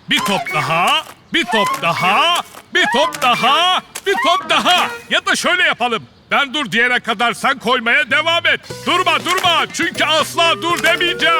Bir top daha, bir top daha, bir top daha, bir top daha. Ya da şöyle yapalım. Ben dur diyene kadar sen koymaya devam et. Durma durma çünkü asla dur demeyeceğim.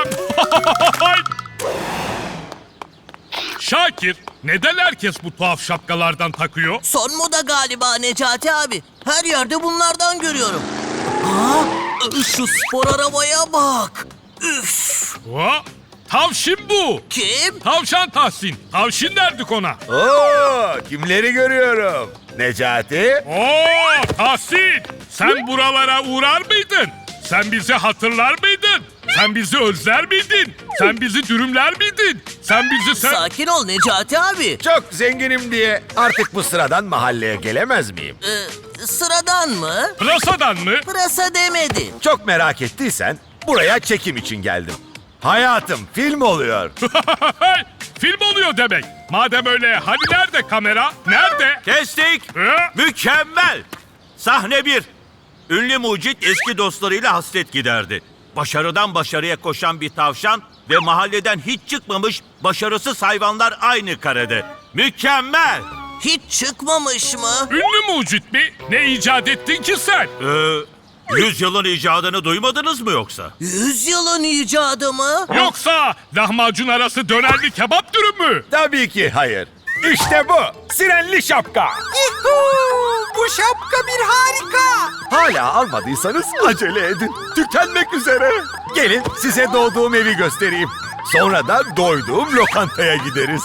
Şakir, neden herkes bu tuhaf şapkalardan takıyor? Son moda galiba Necati abi. Her yerde bunlardan görüyorum. Aa, şu spor arabaya bak. Üf. Ha? Tavşin bu. Kim? Tavşan Tahsin. Tavşin derdik ona. Oo, kimleri görüyorum? Necati? Oo Tahsin, sen buralara uğrar mıydın? Sen bizi hatırlar mıydın? Sen bizi özler miydin? Sen bizi dürümler miydin? Sen bizi Sakin ol Necati abi. Çok zenginim diye artık bu sıradan mahalleye gelemez miyim? Sıradan mı? Pırasadan mı? Pırasa demedi. Çok merak ettiysen buraya çekim için geldim. Hayatım film oluyor. Film oluyor demek. Madem öyle hani nerede kamera? Nerede? Kestik. Mükemmel. Sahne 1. Ünlü mucit eski dostlarıyla hasret giderdi. Başarıdan başarıya koşan bir tavşan ve mahalleden hiç çıkmamış başarısız hayvanlar aynı karede. Mükemmel. Hiç çıkmamış mı? Ünlü mucit mi? Ne icat ettin ki sen? 100 yılın icadını duymadınız mı yoksa? 100 yılın icadı mı? Yoksa lahmacun arası dönerli kebap dürüm mü? Tabii ki hayır. İşte bu. Sirenli şapka. Bu şapka bir harika. Hala almadıysanız acele edin. Tükenmek üzere. Gelin size doğduğum evi göstereyim. Sonra da doyduğum lokantaya gideriz.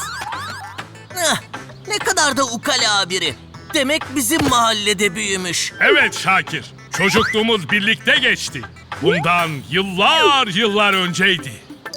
Ne kadar da ukala biri. Demek bizim mahallede büyümüş. Evet Şakir. Çocukluğumuz birlikte geçti. Bundan yıllar önceydi.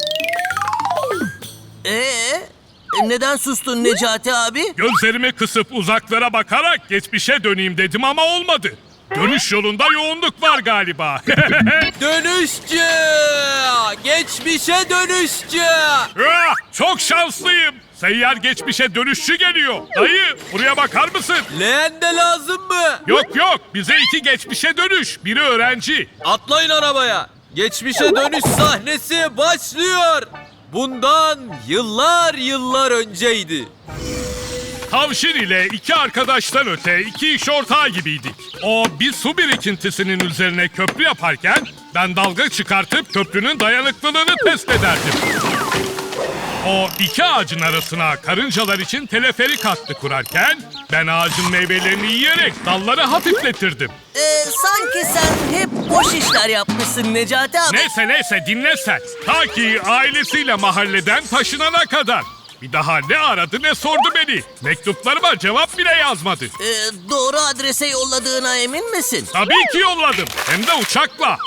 Neden sustun Necati abi? Gözlerimi kısıp uzaklara bakarak geçmişe döneyim dedim ama olmadı. Dönüş yolunda yoğunluk var galiba. Dönüşçü! Geçmişe dönüşçü! Çok şanslıyım. Seyyar geçmişe dönüşçü geliyor. Dayı buraya bakar mısın? Leğen de lazım mı? Yok bize 2 geçmişe dönüş. Biri öğrenci. Atlayın arabaya. Geçmişe dönüş sahnesi başlıyor. Bundan yıllar önceydi. Tavşin ile 2 arkadaştan öte 2 iş ortağı gibiydik. O bir su birikintisinin üzerine köprü yaparken ben dalga çıkartıp köprünün dayanıklılığını test ederdim. O 2 ağacın arasına karıncalar için teleferik hattı kurarken ben ağacın meyvelerini yiyerek dalları hafifletirdim. Sanki sen hep boş işler yapmışsın Necati abi. Neyse dinle sen. Ta ki ailesiyle mahalleden taşınana kadar. Bir daha ne aradı ne sordu beni. Mektuplarıma cevap bile yazmadı. Doğru adrese yolladığına emin misin? Tabii ki yolladım. Hem de uçakla.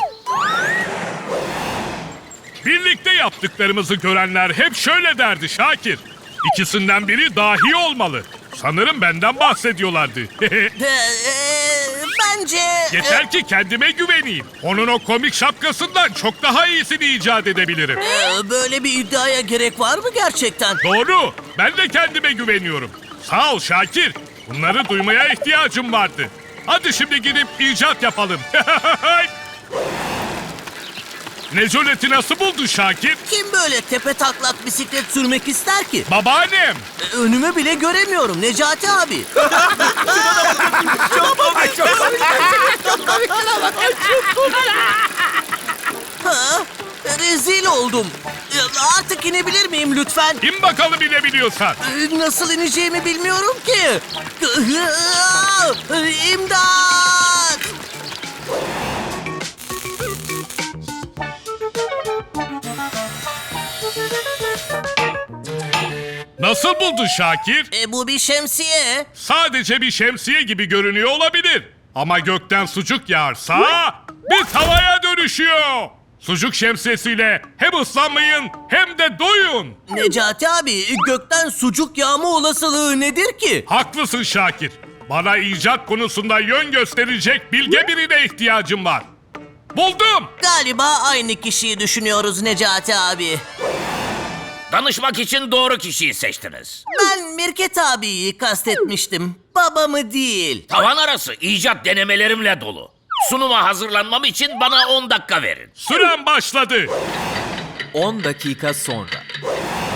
Birlikte yaptıklarımızı görenler hep şöyle derdi Şakir. İkisinden biri dahi olmalı. Sanırım benden bahsediyorlardı. Bence... Yeter ki kendime güveneyim. Onun o komik şapkasından çok daha iyisini icat edebilirim. Böyle bir iddiaya gerek var mı gerçekten? Doğru. Ben de kendime güveniyorum. Sağ ol Şakir. Bunları duymaya ihtiyacım vardı. Hadi şimdi gidip icat yapalım. Necoleti nasıl buldun Şakir? Kim böyle tepe taklak bisiklet sürmek ister ki? Babaannem. Önümü bile göremiyorum Necati abi. Ha? Rezil oldum. Artık inebilir miyim lütfen? İn bakalım inebiliyorsan. Nasıl ineceğimi bilmiyorum ki. İmdat! Nasıl buldun Şakir? Bu bir şemsiye. Sadece bir şemsiye gibi görünüyor olabilir. Ama gökten sucuk yağarsa bir tavaya dönüşüyor. Sucuk şemsiyesiyle hem ıslanmayın hem de doyun. Necati abi, gökten sucuk yağma olasılığı nedir ki? Haklısın Şakir. Bana icat konusunda yön gösterecek bilge birine ihtiyacım var. Buldum. Galiba aynı kişiyi düşünüyoruz Necati abi. Danışmak için doğru kişiyi seçtiniz. Ben Mirket abiyi kastetmiştim. Babamı değil. Tavan arası icat denemelerimle dolu. Sunuma hazırlanmam için bana 10 dakika verin. Süren başladı. 10 dakika sonra.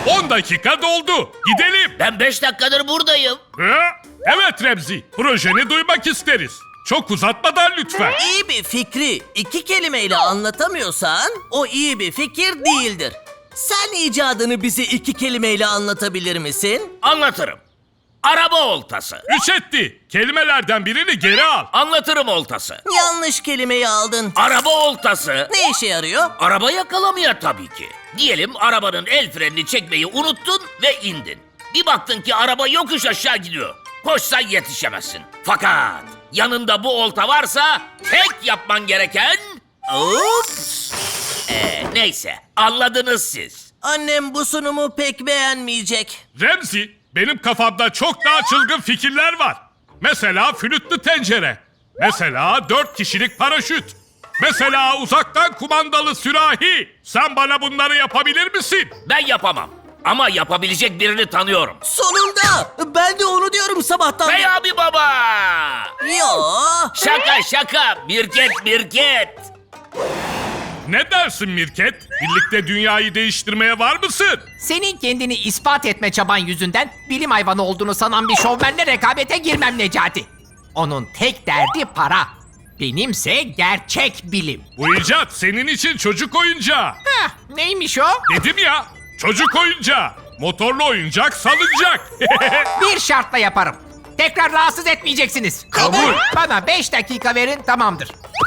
10 dakika doldu. Gidelim. Ben 5 dakikadır buradayım. Evet Remzi, projeni duymak isteriz. Çok uzatmadan lütfen. İyi bir fikri 2 kelimeyle anlatamıyorsan o iyi bir fikir değildir. Sen icadını bize 2 kelimeyle anlatabilir misin? Anlatırım. Araba oltası. 3 etti. Kelimelerden birini geri al. Anlatırım oltası. Yanlış kelimeyi aldın. Araba oltası. Ne işe yarıyor? Araba yakalamaya tabii ki. Diyelim arabanın el frenini çekmeyi unuttun ve indin. Bir baktın ki araba yokuş aşağı gidiyor. Koşsan yetişemezsin. Fakat yanında bu olta varsa tek yapman gereken... Ups. Neyse anladınız siz. Annem bu sunumu pek beğenmeyecek. Remzi, benim kafamda çok daha çılgın fikirler var. Mesela flütlü tencere. Mesela 4 kişilik paraşüt. Mesela uzaktan kumandalı sürahi. Sen bana bunları yapabilir misin? Ben yapamam. Ama yapabilecek birini tanıyorum. Sonunda! Ben de onu diyorum sabahtan. Bey abi baba! Yo! Şaka Mirket. Ne dersin Mirket? Birlikte dünyayı değiştirmeye var mısın? Senin kendini ispat etme çaban yüzünden bilim hayvanı olduğunu sanan bir şovmenle rekabete girmem Necati. Onun tek derdi para. Benimse gerçek bilim. Bu icat senin için çocuk oyuncağı. Heh, neymiş o? Dedim ya, çocuk oyuncağı. Motorlu oyuncak salıncak. Bir şartla yaparım. Tekrar rahatsız etmeyeceksiniz. Kabul. Bana 5 dakika verin, tamamdır.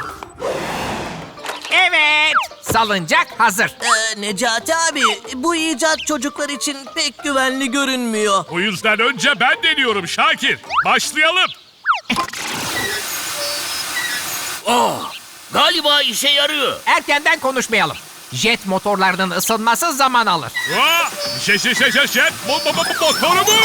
Evet, salıncak hazır. Necati abi, bu icat çocuklar için pek güvenli görünmüyor. O yüzden önce ben deniyorum Şakir. Başlayalım. Galiba işe yarıyor. Erkenden konuşmayalım. Jet motorlarının ısınması zaman alır. Jet. Motoru mu?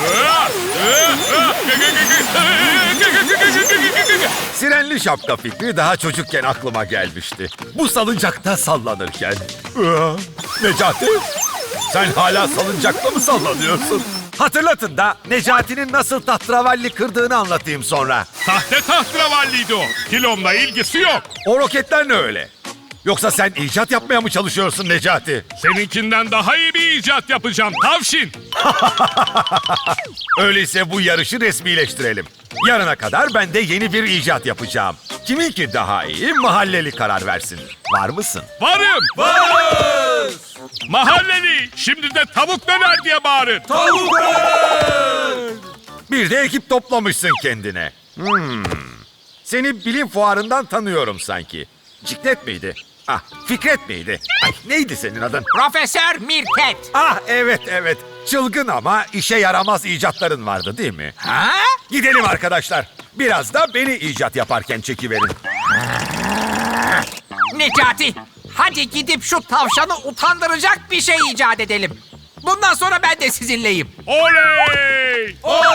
Sirenli şapka fikri daha çocukken aklıma gelmişti. Bu salıncakta sallanırken. Necati, sen hala salıncakta mı sallanıyorsun? Hatırlatın da Necati'nin nasıl tahterevalli kırdığını anlatayım sonra. Sahte tahterevalliydi o. Kilomla ilgisi yok. O roketler ne öyle? Yoksa sen icat yapmaya mı çalışıyorsun Necati? Seninkinden daha iyi bir icat yapacağım tavşin. Öyleyse bu yarışı resmileştirelim. Yarına kadar ben de yeni bir icat yapacağım. Kiminki daha iyi mahalleli karar versin. Var mısın? Varım. Varız. Mahalleli şimdi de tavuk döner diye bağırın. Bir de ekip toplamışsın kendine. Seni bilim fuarından tanıyorum sanki. Ciklet miydi? Ah, Fikret miydi? Ay, neydi senin adın? Profesör Mirket. Ah, evet. Çılgın ama işe yaramaz icatların vardı değil mi? Ha? Gidelim arkadaşlar. Biraz da beni icat yaparken çekiverin. Necati, hadi gidip şu tavşanı utandıracak bir şey icat edelim. Bundan sonra ben de sizinleyim. Oley!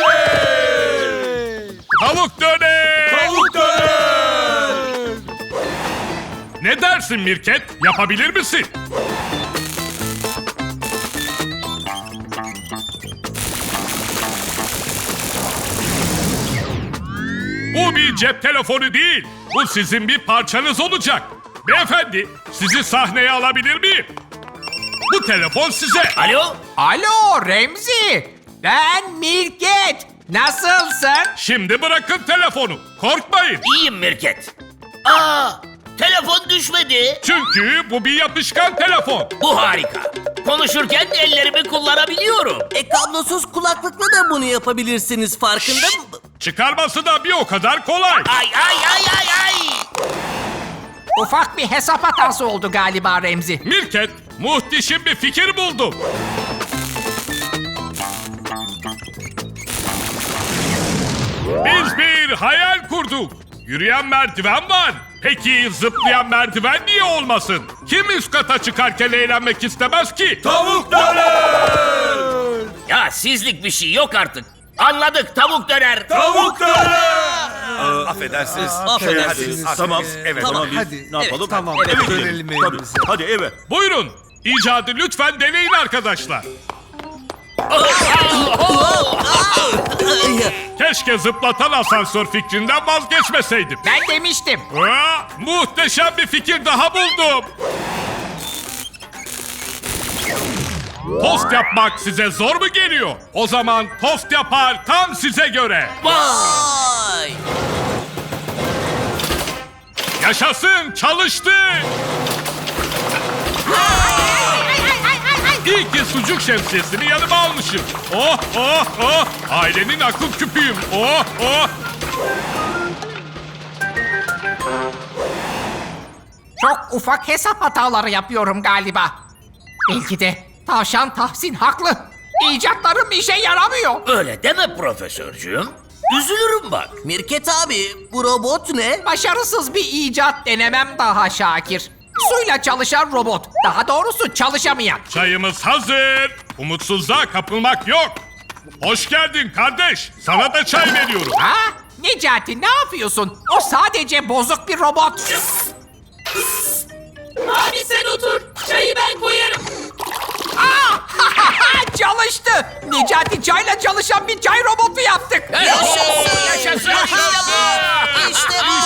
Tavuk döner! Ne dersin Mirket? Yapabilir misin? Bu bir cep telefonu değil. Bu sizin bir parçanız olacak. Beyefendi, sizi sahneye alabilir miyim? Bu telefon size. Alo? Alo Remzi, ben Mirket. Nasılsın? Şimdi bırakın telefonu. Korkmayın. İyiyim Mirket. Telefon düşmedi. Çünkü bu bir yapışkan telefon. Bu harika. Konuşurken ellerimi kullanabiliyorum. Kablosuz kulaklıkla da bunu yapabilirsiniz, farkında mı? Çıkarması da bir o kadar kolay. Ay. Ufak bir hesap hatası oldu galiba Remzi. Mirket, muhteşem bir fikir buldum. Biz bir hayal kurduk. Yürüyen merdiven var. Peki zıplayan merdiven niye olmasın? Kim üst kata çıkarken eğlenmek istemez ki? Tavuk döner! Ya sizlik bir şey yok artık. Anladık tavuk döner. Affedersiniz. Affedersiniz. Tamam. Evet. Tamam. Hadi. Ne yapalım? tamam. Eve gidelim. Dönelim Tabii. evimize. Hadi eve. Buyurun. İcadı lütfen deneyin arkadaşlar. Keşke zıplatan asansör fikrinden vazgeçmeseydim. Ben demiştim. Muhteşem bir fikir daha buldum. Tost yapmak size zor mu geliyor? O zaman tost yapar tam size göre. Vay! Yaşasın, çalıştı. İyi ki sucuk şemsiyesini yanıma almışım. Oh oh oh. Ailenin akıl küpüyüm. Oh oh. Çok ufak hesap hataları yapıyorum galiba. Belki de Tavşan Tahsin haklı. İcatlarım işe yaramıyor. Öyle deme profesörcüğüm. Üzülürüm bak. Mirket abi, bu robot ne? Başarısız bir icat denemem daha Şakir. Suyla çalışan robot. Daha doğrusu çalışamayan. Çayımız hazır. Umutsuzluğa kapılmak yok. Hoş geldin kardeş. Sana da çay veriyorum. Ha? Necati ne yapıyorsun? O sadece bozuk bir robot. Abi sen otur. Çayı ben koyarım. Çalıştı. Necati çayla çalışan bir çay robotu yaptık. Yaşasın! Yaşasın. İşte bu!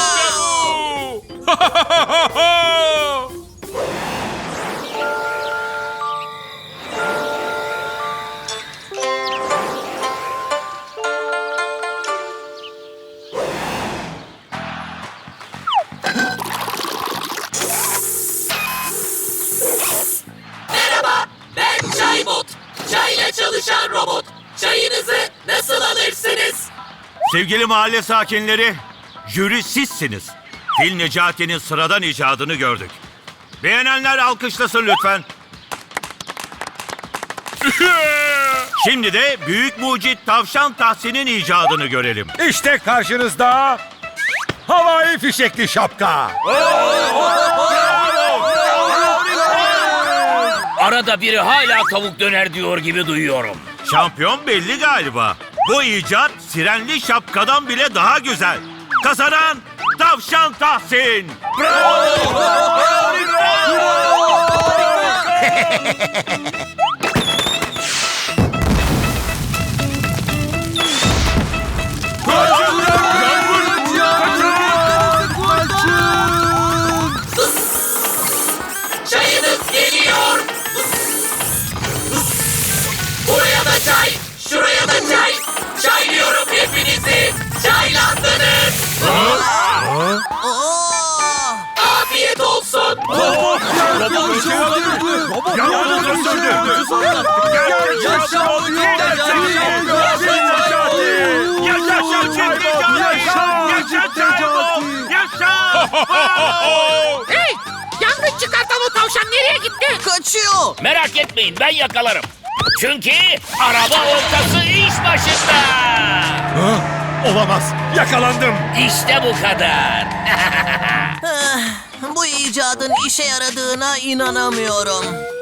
Merhaba. Ben Çaybot. Çayla çalışan robot. Çayınızı nasıl alırsınız? Sevgili mahalle sakinleri, jüri sizsiniz. Fil Necati'nin sıradan icadını gördük. Beğenenler alkışlasın lütfen. Şimdi de büyük mucit Tavşan Tahsin'in icadını görelim. İşte karşınızda havai fişekli şapka. Arada biri hala tavuk döner diyor gibi duyuyorum. Şampiyon belli galiba. Bu icat sirenli şapkadan bile daha güzel. Kazanan Tavşan Tahsin. Çayınız geliyor. Buraya da çay. Şuraya da çay. Çaylıyorum hepinizi. Çaylandınız. Oo! Afiyet olsun. Hey! Yangın çıkartan o tavşan nereye gitti? Kaçıyor! Merak etmeyin ben yakalarım. Çünkü araba ortası iş başında. Olamaz. Yakalandım. İşte bu kadar. Bu icadın işe yaradığına inanamıyorum.